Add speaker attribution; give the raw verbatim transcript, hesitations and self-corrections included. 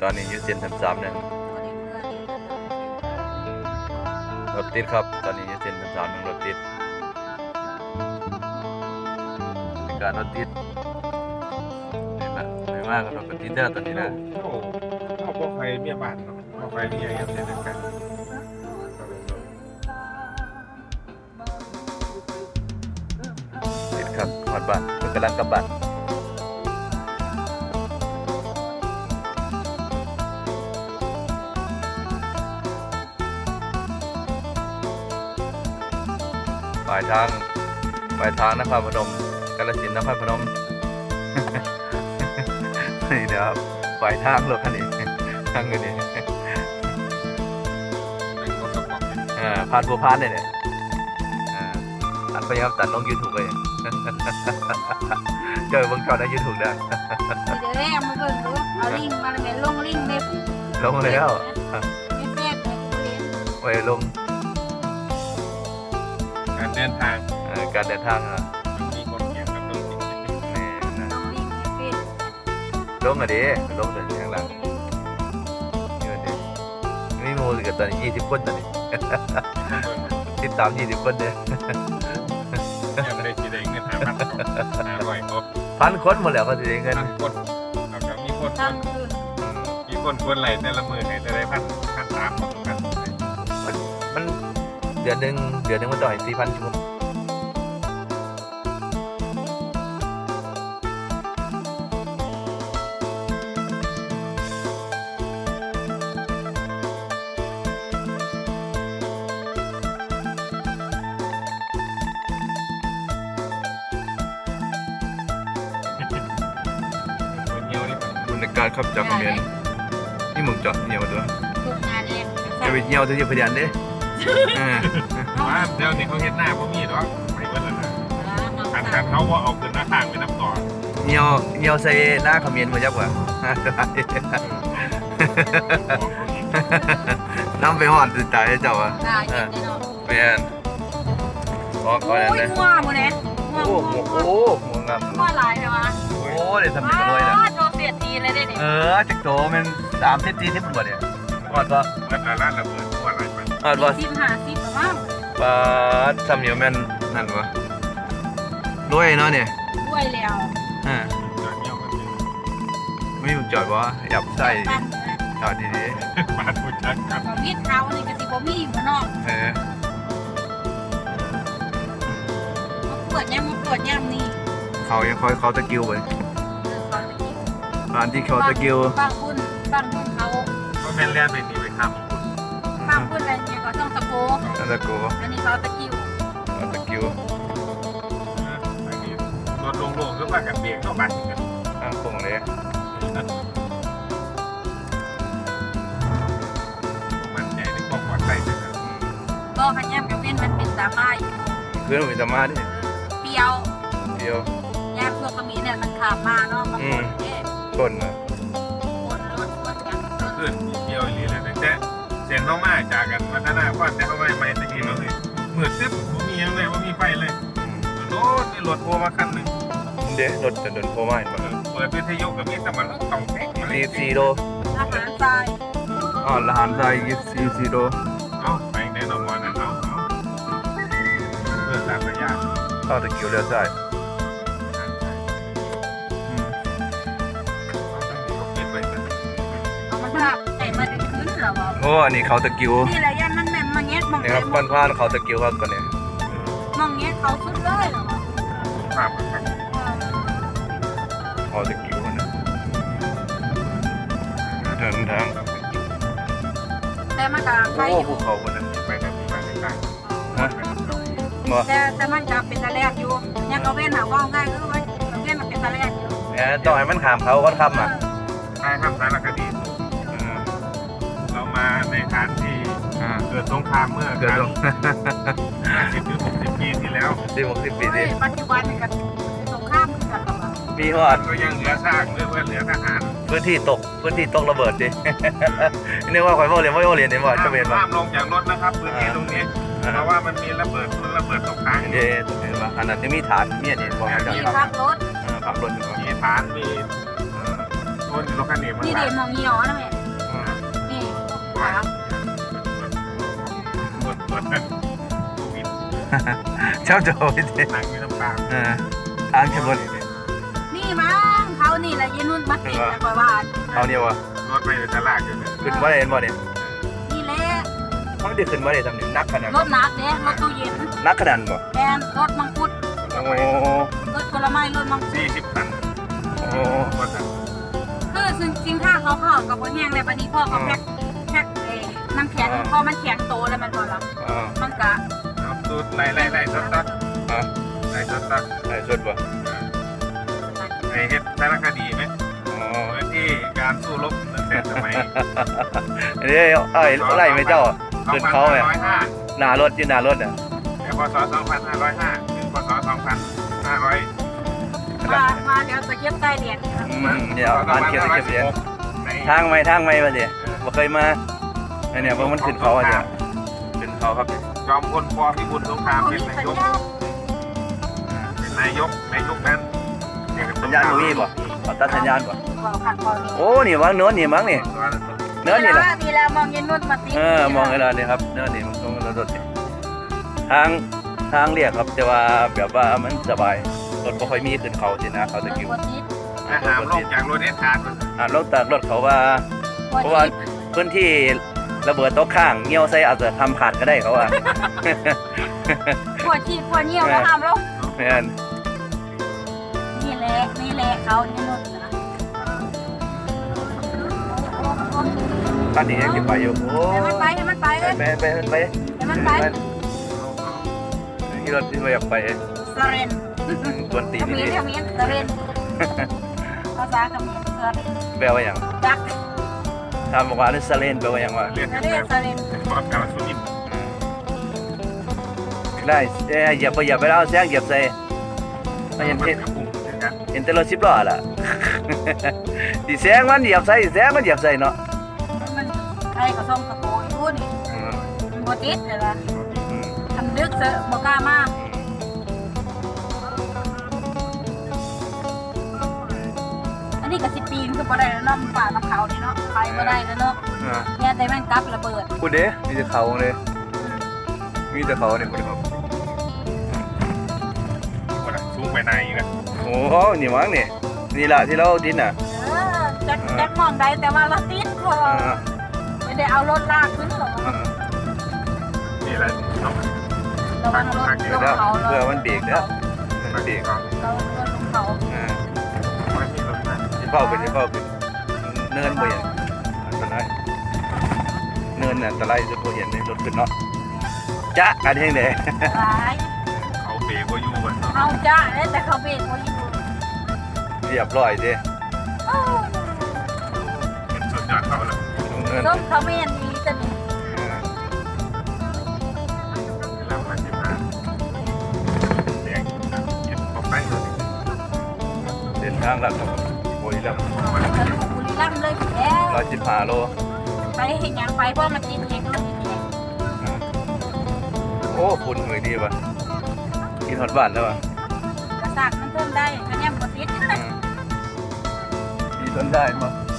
Speaker 1: ตอนนี้อยู่เส้นสามสามเนี่ยรถติดครับตอนนี้อยู่เส้นสามสามรถติดเป็นการรถติดนี่แหละไม่มากกับรถติดเด้อตอนนี้นะ
Speaker 2: โอ้เอาพวกใครเมียบ้านเนาะพวกใครเมียกันเช่นกัน
Speaker 1: ติดครับหอดบ้านเพิ่งกำลังกลับบ้านปลายทางปลายทางนครพนมกาฬสินธุ์นครพนม นี่นะครับปลายทางรถคันนี้ทางเงินนี่
Speaker 2: เป็นคนสมอง
Speaker 1: อ่าผ่านบัวพานเลยเนี่ยอ่าอันไปครับตัดลงยูทูบเลย เจอเบิ่งจอในยูทูบได้
Speaker 3: เดี๋ยวแรกมาเบิ่งดูเอาลิงก์มาแล้วแม่ลงลิงก์เว็บ
Speaker 1: ลงแล้ว
Speaker 3: ไม่แซ่บเลยกูเรียน
Speaker 1: ไว้ลง
Speaker 2: การเดินทาง
Speaker 1: เอ่อการเดินทางอ่ะ
Speaker 2: มันมีคนเขียนกับตัวจริง
Speaker 1: นี่นะ
Speaker 3: ลงลิงก์เว็บ
Speaker 1: ลงอ่ะดิลงแต่ข้างหลังนี่มันดิมีโมสิกับตอนนี้ยี่สิบคนตอนนี้ ติดตามยี่สิบคนเนี่ย
Speaker 2: ยังไม่ได้ชีได้เงินหาพันหาร้อยครบ
Speaker 1: พันคนหมดแล้วก็จะได้เงิน
Speaker 2: พันคนเราจะมีคนค
Speaker 3: ตั้ง
Speaker 2: น
Speaker 3: คืน
Speaker 2: มีคนคนไหลแต่ละมือไหนแต่ละพันพันสามของกัน
Speaker 1: มันมันเดือนหนึ่งเดือนหนึ่งมันต้องให้สี่พันชั่วโมง
Speaker 2: คนเดียวนี่
Speaker 1: บุญในการขับจากคอมเมนต์นี่มึงจอดเหี่ยวตัว
Speaker 3: ทุกงานเอง
Speaker 1: จะไปเหี่ยวที่จะพยานเด้เออ
Speaker 2: ว่าเดี๋ยวนี้เขาเห็นหน้าเขามีหรอกไม่เว้นแล้วนะอันกันเขาว่าเอาขึ้นหน้าต่างไปน้ำต่อ
Speaker 1: เหี่ยวเหี่ยวใส่หน้าคอมเมนต์มาจักว่า น้ำไปหอดติดใจเจ้าอ่ะ
Speaker 3: ได้เย็นแน่นอน
Speaker 1: เปลี่ยนออกก่อน
Speaker 3: โอ้ย
Speaker 1: เลย
Speaker 3: งัวหมดเลยงัว
Speaker 1: โอ้
Speaker 3: งั
Speaker 1: โห
Speaker 3: วงัว
Speaker 1: โอ้โหงาม
Speaker 3: งัวหลายเลยวะ
Speaker 1: โอ้เดี๋ยวทำเป็นรวยนะ
Speaker 3: ว้าโดนเสียทีเลยได้ดิ
Speaker 1: เออจักโตมันสามสิบสี่สิบคนบ่เนี่ยอดปะ
Speaker 2: แล้วแต่ร้านระเบิดทั่วอะไรไป
Speaker 1: อดปะ
Speaker 3: สิบห้าสิบประมาณ
Speaker 1: ปาดทำเหนียวแม่นนั่นวะรวยเนาะเนี่ย
Speaker 3: ด้วยแล้ว
Speaker 1: อ่า
Speaker 2: จอดเงี้ยวกันเลย
Speaker 1: ไม่มีจอดวะหยับใส่
Speaker 3: ตั้ง
Speaker 1: จอดดี
Speaker 2: มาดูชัดครับ
Speaker 3: กับมีดเท้านี่ก็สิบ่มีอยู่เนาะ
Speaker 1: ๆเออ
Speaker 3: มาปวดย่ำมาปวดย่ำนี่
Speaker 1: เขายังคอยเขาตะกิ้วไป
Speaker 3: เออเขาตะกี้
Speaker 1: ร้านที่เขาตะกิ้ว
Speaker 3: บางบุญบางบุญเขา
Speaker 2: ก็แม่นเลียนไปนี่ไปท
Speaker 3: บางบุญอะไรเนี่ยก็ต้องตะโก
Speaker 1: อันตะโก
Speaker 3: อันนี้เขาตะกิ้ว
Speaker 1: อันตะกิ้ว
Speaker 2: ำไปนี่รถโล่งๆก็ว่ากันเบียงเข้าบ้านกัน
Speaker 1: ข้างคงเลย
Speaker 2: มันใหญ่ในความปลอดภัยนะครับ
Speaker 3: ก็ขันย่ำกับเว้นมันเป็นสามาอยู่
Speaker 1: เพื่อนผมจะมาดิ
Speaker 3: เปรียว
Speaker 1: เดียว
Speaker 3: ย่ำพวกกระมีเนี่ยมันขาบมาเนาะมาปนเอ๊ะ
Speaker 1: ต้นอ่ะ
Speaker 3: ปนรถปนกันปน
Speaker 2: เพื่อนมีเที่ยวอีเลยแต่เสียงเข้ามาจากกันวัฒนาพ่อแต่เข้ามาใหม่ตะกี้เราเลยเหมือนซึบผมมียังเลยว่ามีไฟเลยรถนี่รถโทรมาคันหนึ่ง
Speaker 1: เดี๋ยวรถจะโดนโคม่าอีก
Speaker 2: เปิดวิทยุกับมีแต่มันต้องแท็ก
Speaker 1: สี่สี่โล
Speaker 3: อาหารทราย
Speaker 1: อ๋อละหันไทยยี่สี่สี่โล
Speaker 2: เอาไปแน่นอนวันนั้นเอาเอาเพื่อสามระยะ
Speaker 1: เข้าตะกิ้วเลี้ยวซ้ายอืม
Speaker 2: เขาเก็บไว้กัน
Speaker 3: เอามันภาพใส่มาได้ขึ้นเหรอวะ
Speaker 1: โอ้อันนี้เขาตะกิ้ว
Speaker 3: นี่แหละย่ำมันแม่นมาเงี้ยมอง
Speaker 1: นี่
Speaker 3: ไป
Speaker 1: ครับ
Speaker 3: ม
Speaker 1: บ้า
Speaker 3: อน ง
Speaker 1: พานเขาตะกิ้วครับตอนนี้
Speaker 3: มองเงี้ยเขาสุดเลยเหรอวะ
Speaker 2: ภาพครับ
Speaker 1: เขาตะกิ้วนะเดินทาง
Speaker 3: แต่มันก็ใคร
Speaker 1: โอ้
Speaker 3: อยู่
Speaker 1: ภูเขาคนนั้น
Speaker 2: ไปแบบนี้ไปต่าง
Speaker 1: ฮะบ่
Speaker 3: แต่แต่มันก็เป็นตะแลกอยู่เนี่ยเขาเว้นหาว่าง่ายคือว่าเว้นมันเป็นตะแลกอยู่
Speaker 1: แหมต้องให้มันขามเขาก่อนคำอ่ะ
Speaker 2: ๆถ้าทำสารคดีเรามาในฐานที่
Speaker 1: อ่า
Speaker 2: เกิดสงครามเมื่อ
Speaker 1: เกิดลง
Speaker 2: ห้าสิบหรือหกสิบปีที่แล้ว
Speaker 1: สิบหกสิบปีสิ
Speaker 3: เฮ้ยปัจจุบันนี่ก็สงครามกันแล้วอะ
Speaker 1: มีหอด
Speaker 2: ก็ยังเหลือซากเหลือเหลือทหาร
Speaker 1: พื้นที่ตกพื้นที่ตกระเบิดดิ นี่ว่าคอยว่าเรียนว่าเรียนเนี่ยว่าจะเป็นว่า
Speaker 2: ห้ามลงจากรถนะครับพื้นที่ตรงนี้เพราะว่ามันมีระเบิดทุนระเบิดตกค้างอยู่
Speaker 1: เย่เห็นว่าอันนั้นจะมีฐานมีอันนี้บอกให้
Speaker 3: มี
Speaker 1: เจ้า
Speaker 3: พักรถ
Speaker 1: ขับรถอยู่
Speaker 2: มีฐานมีเอ่อพคนรถคันนี้มัน
Speaker 3: นี่เด็มองยี่ห้อนะแม่นี่ขา
Speaker 2: รถรถโควิด
Speaker 1: เจ้าโจ้พี่เต้
Speaker 2: นั่งอยู่น้ำตาล
Speaker 1: เออทางชนบท
Speaker 3: นี่มั้งเขานี่แหละยีนุ่นมาติดแต่กว่า
Speaker 1: เอาเนี่ยวะ
Speaker 2: รถไปตลาดอยู่เนี่ย
Speaker 1: ขึ้นว่าได้เห็นบ่เนี่ย
Speaker 3: นี่แหละ
Speaker 1: มันได้ขึ้นว่าได้ทำเนี่ยนักขนาด
Speaker 3: รถหนักเด้รถตู้เย็น
Speaker 1: นักขนาดบ่
Speaker 3: แทนรถมังคุด
Speaker 1: โอ้
Speaker 3: รถผลไม้รถมังคุด
Speaker 2: สี่สิบตัน
Speaker 1: โอ้
Speaker 2: ว่าแต่
Speaker 3: คือซึ่งจริงถ้าเขาเข้ากับพ่อแห้งเลยปฏิพ่อเขาแพ็คแพ็คเอน้ำแข็งพอมันแข็งโตแล้วมันพอละ
Speaker 1: อ่า
Speaker 3: มันกะ
Speaker 2: เอาตูดไล่ไล่ไล่ตัดตัด
Speaker 1: อ่า
Speaker 2: ไล่ตัดตัด
Speaker 1: ได้ชนบ่
Speaker 2: ไอ้เฮ็ดสารคดีไหม
Speaker 1: อ๋อ
Speaker 2: เมื่อที่การสู้รบตั้งแต่สมัย
Speaker 1: อันนี้เอ้ยไล่ไหมเจ้าขึ้นเขาไหม
Speaker 2: สองพันห้าร้อยห้า
Speaker 1: หน้ารถอยู่หน้ารถอ่ะ
Speaker 2: แต่พศสองพันห้าร้อยห้าถึงพศสองพันห้าร้อย
Speaker 3: มามาเดี๋ยวจะเก็บใต้เหรียญ
Speaker 1: อืมเดี๋ยวอ่านเขียนเขียนเขียน
Speaker 2: ใน
Speaker 1: ทางไม่ทางไม่มาสิบ่เคยมาไอเนี่ยเพราะมันขึ้นเขาอ่ะเนี่ยขึ้นเขาครับ
Speaker 2: จอมพลปพิบูลสงคราม
Speaker 3: เขา
Speaker 2: เป็น
Speaker 3: มี
Speaker 2: นา
Speaker 3: สัญ
Speaker 2: ยก
Speaker 3: ญาณ
Speaker 2: เป็นนายกนายกนั้น
Speaker 1: สัญญาณบ่มีบ่ขอตัดสัญญาณบ่
Speaker 3: บอกขัดบอกนี่
Speaker 1: โอ้นี่มั้งเนื้อนี่มั้งนี่เนื้อนี่แหละ
Speaker 3: ดีแล้วมองยีนุ่นมาติด
Speaker 1: เออมองไอ้เราเนี่ยครับเนื้อนี่มันตรงรถนี่ทางทางเรียกครับแต่ว่าแบบว่ามันสบายรถบ่ค่อยมีขึ้นเขาสินะเขาตะกิ้ว
Speaker 3: คนติด
Speaker 2: อาหารลงจากรถเอสขาด
Speaker 1: อ่าลงจากรถเขาว่า
Speaker 3: คน
Speaker 1: เพราะว่า
Speaker 3: ติด
Speaker 1: พื้นที่ระเบิดตกข้างเงี้ยวใส่อาจจะทำขาดก็ได้เขาว่า
Speaker 3: ปวดชีพปวดเยี่ยวแล้วทำแล้ว
Speaker 1: แม่น
Speaker 3: นี่แหละนี่แหละเขายีนุ่นนะ
Speaker 1: ตอนนี้ยังจะไปอยู่โอ้
Speaker 3: ให้มันไปให้มันไปเลย
Speaker 1: ไปไปไป
Speaker 3: ให้มันไป
Speaker 1: ที่รถที่เราอยากไป
Speaker 3: สเรน
Speaker 1: กวนตี
Speaker 3: เข
Speaker 1: น
Speaker 3: มิ้
Speaker 1: นี่
Speaker 3: นเขมิ้นสเรนภาษาเขมิ้นสเรน
Speaker 1: แปลว่าอย่าง
Speaker 3: จัก
Speaker 1: ถามบอกว่านี่ซาเลนแปลว่าอย่างว่า
Speaker 2: เรียน
Speaker 3: ส
Speaker 2: กัน
Speaker 3: เร
Speaker 2: แล้
Speaker 3: น
Speaker 2: ว
Speaker 3: สเรน
Speaker 2: ความกาลสุนิม
Speaker 1: ได้เอ้ยเหยียบไปเหยียบไปแล้วแซงเหยียบใส่ไม่เห็นเห็น
Speaker 2: ปุ่มเช่นกัน
Speaker 1: เห็นแต่รถสิบล้อล่ะ ดิแซงมันเหยียบใส่แซงมันเหยียบใส่เนาะ
Speaker 3: มันใครก็ส่งกระโปรงอยู่นี่
Speaker 1: อืม
Speaker 3: มันบ่ติดเลยล่ะ
Speaker 1: อืม
Speaker 3: ทำดึกเสอะบ่กล้ามาอันนี้ก็สิปีนคือบ่ได้แล้วเนาะป่าน้ำเขานี่เนาะไปบ่ได้แล้วเนาะ
Speaker 1: อ่า
Speaker 3: เนี่ยแต่แม่นกลับระเบิด
Speaker 1: พูดเด้มีแต่เขาเลยมีแต่เขาเนี่ยพูดครับ
Speaker 2: ว่าสูงไปไหนอีกนะ
Speaker 1: โอ้โหนี่มั้งนี่นี่ละที่เราดินอ่ะ
Speaker 3: เออจักจักมองได้แต่ว่าเราติดเพราะว่า
Speaker 1: อ่า
Speaker 3: ไม่ได้เอารถลากขึ้นหรอก
Speaker 1: อ่า
Speaker 2: นี่แหละน้อง
Speaker 3: ระวังรถลงเขา
Speaker 1: เพื่อมันเบรกเด้อมันเบรก
Speaker 2: ก็
Speaker 3: เรารถลงเขา
Speaker 1: อ่า
Speaker 2: ไม่มีรถนะ
Speaker 1: ที่เฝ้าเป็นที่เฝ้าเป็นเนินบ่เห็นอันตรายเนินน่ะอันตรายจะบ่เห็นในรถขึ้นเนาะจ๊ะกันเฮงเด้
Speaker 3: หลาย
Speaker 2: เขาเบรกก็อยู่บน
Speaker 3: เอาจ้าแล้วแต่เขาเบรกเขาอยู่
Speaker 1: เรียบร้อยเด้
Speaker 3: โอ้
Speaker 2: เป็นสุดยอดเขาแล้ว
Speaker 1: ตรงเนิน
Speaker 3: ส้มเขาไม่ยันดีจะนี่
Speaker 1: อ่า
Speaker 2: เวลามาสิมาแดงเก็บออกไปเลย
Speaker 1: เส้นทางหลักของบุรีรัมย์
Speaker 3: ทะลุบุรีรัมย์เลยแล้ว
Speaker 1: ร้อยสิบห้าโล
Speaker 3: ไปเห็นยังไปเพราะมันติดเองรถติดเอง
Speaker 1: โอ้คุณเหมือนดีป่ะกินฮอตบ้านแล้วป่ะ
Speaker 3: กระสากมันเพิ่มได้คะแนนบ่ติด
Speaker 1: มีต้นได้ป่ะ